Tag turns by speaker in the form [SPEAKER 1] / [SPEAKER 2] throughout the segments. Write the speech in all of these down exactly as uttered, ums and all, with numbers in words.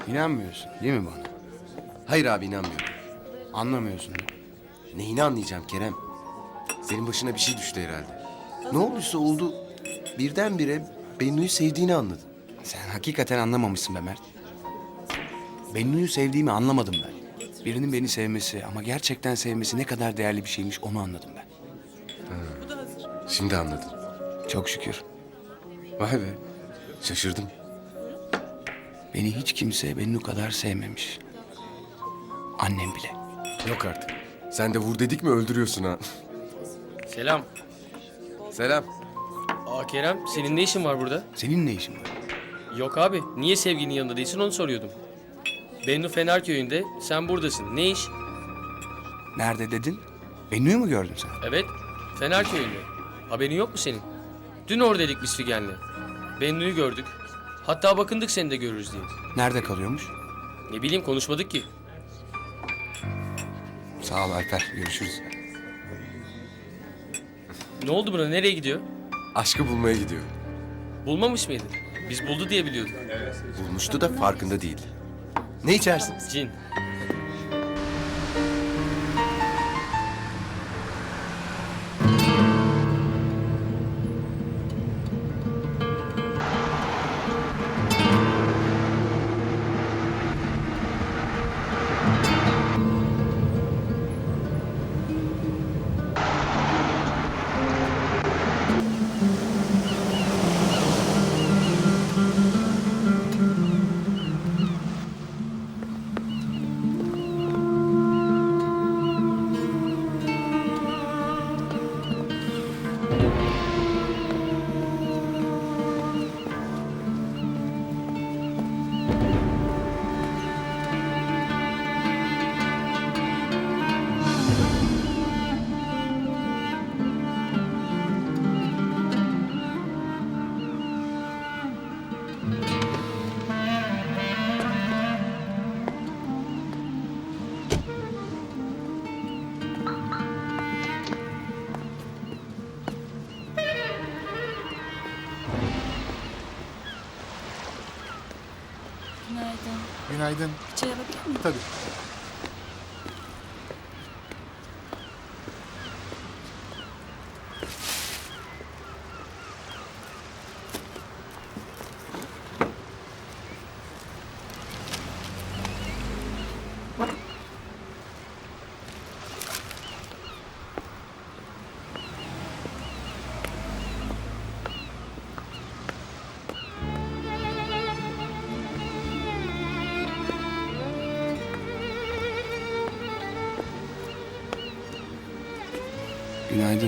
[SPEAKER 1] İnanmıyorsun değil mi bana?
[SPEAKER 2] Hayır abi inanmıyorum.
[SPEAKER 1] Anlamıyorsun.
[SPEAKER 2] Neyini anlayacağım Kerem? Senin başına bir şey düştü herhalde. Ne olduysa oldu. Birdenbire Bennu'yu sevdiğini anladım.
[SPEAKER 1] Sen hakikaten anlamamışsın be Mert. Bennu'yu sevdiğimi anlamadım ben. Birinin beni sevmesi ama gerçekten sevmesi ne kadar değerli bir şeymiş onu anladım ben.
[SPEAKER 2] Şimdi anladım.
[SPEAKER 1] Çok şükür.
[SPEAKER 2] Vay be. Şaşırdım.
[SPEAKER 1] Beni hiç kimse Bennu kadar sevmemiş. Annem bile.
[SPEAKER 2] Yok artık. Sen de vur dedik mi öldürüyorsun ha.
[SPEAKER 3] Selam.
[SPEAKER 2] Selam.
[SPEAKER 3] Aa Kerem, senin ne işin var burada?
[SPEAKER 1] Senin ne işin var?
[SPEAKER 3] Yok abi, niye sevgilinin yanında değilsin onu soruyordum. Bennu Fenerköy'ünde, sen buradasın. Ne iş?
[SPEAKER 1] Nerede dedin? Bennu'yu mu gördün sen?
[SPEAKER 3] Evet, Fenerköy'ünde. Haberin yok mu senin? Dün oradaydık biz Figen'le. Bennu'yu gördük. Hatta bakındık seni de görürüz diye.
[SPEAKER 1] Nerede kalıyormuş?
[SPEAKER 3] Ne bileyim konuşmadık ki.
[SPEAKER 1] Sağ ol Alper. Görüşürüz.
[SPEAKER 3] Ne oldu buna, nereye gidiyor?
[SPEAKER 2] Aşkı bulmaya gidiyor.
[SPEAKER 3] Bulmamış mıydı? Biz buldu diye biliyorduk.
[SPEAKER 2] Bulmuştu da farkında değildi. Ne içersin?
[SPEAKER 3] Cin.
[SPEAKER 4] Günaydın.
[SPEAKER 5] Günaydın.
[SPEAKER 4] Bir çay alabilir miyim?
[SPEAKER 5] Tabii.
[SPEAKER 1] Günaydın.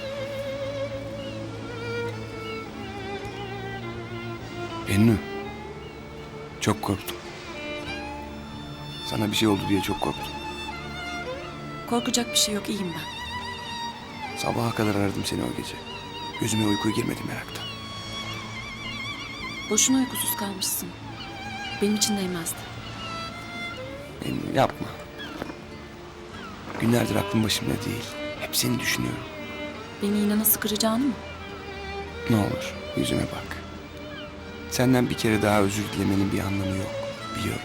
[SPEAKER 1] Bennu. Çok korktum. Sana bir şey oldu diye çok korktum.
[SPEAKER 4] Korkacak bir şey yok, iyiyim ben.
[SPEAKER 1] Sabaha kadar aradım seni o gece. Gözüme uyku girmedi meraktan.
[SPEAKER 4] Boşuna uykusuz kalmışsın. Benim için değmezdi.
[SPEAKER 1] Bennu yapma. Günlerdir aklım başımda değil. Hep seni düşünüyorum.
[SPEAKER 4] Beni yine nasıl kıracağını mı?
[SPEAKER 1] Ne olur yüzüme bak. Senden bir kere daha özür dilemenin bir anlamı yok. Biliyorum.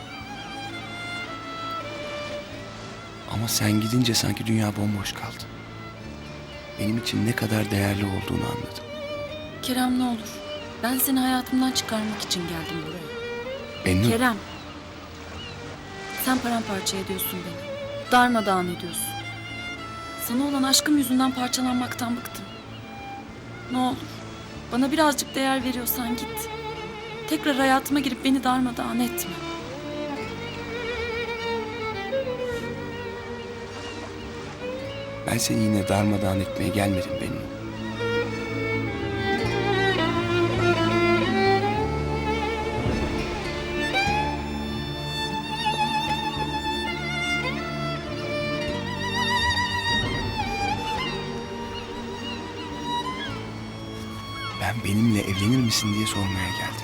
[SPEAKER 1] Ama sen gidince sanki dünya bomboş kaldı. Benim için ne kadar değerli olduğunu anladım.
[SPEAKER 4] Kerem ne olur. Ben seni hayatımdan çıkarmak için geldim buraya.
[SPEAKER 1] Bennu.
[SPEAKER 4] Kerem. Sen paramparça ediyorsun beni. Darmadağın ediyorsun. Sana olan aşkım yüzünden parçalanmaktan bıktım. Ne olur. Bana birazcık değer veriyorsan git. Tekrar hayatıma girip beni darmadağın etme.
[SPEAKER 1] Ben seni yine darmadağın etmeye gelmedim Bennu. Ben benimle evlenir misin diye sormaya geldim.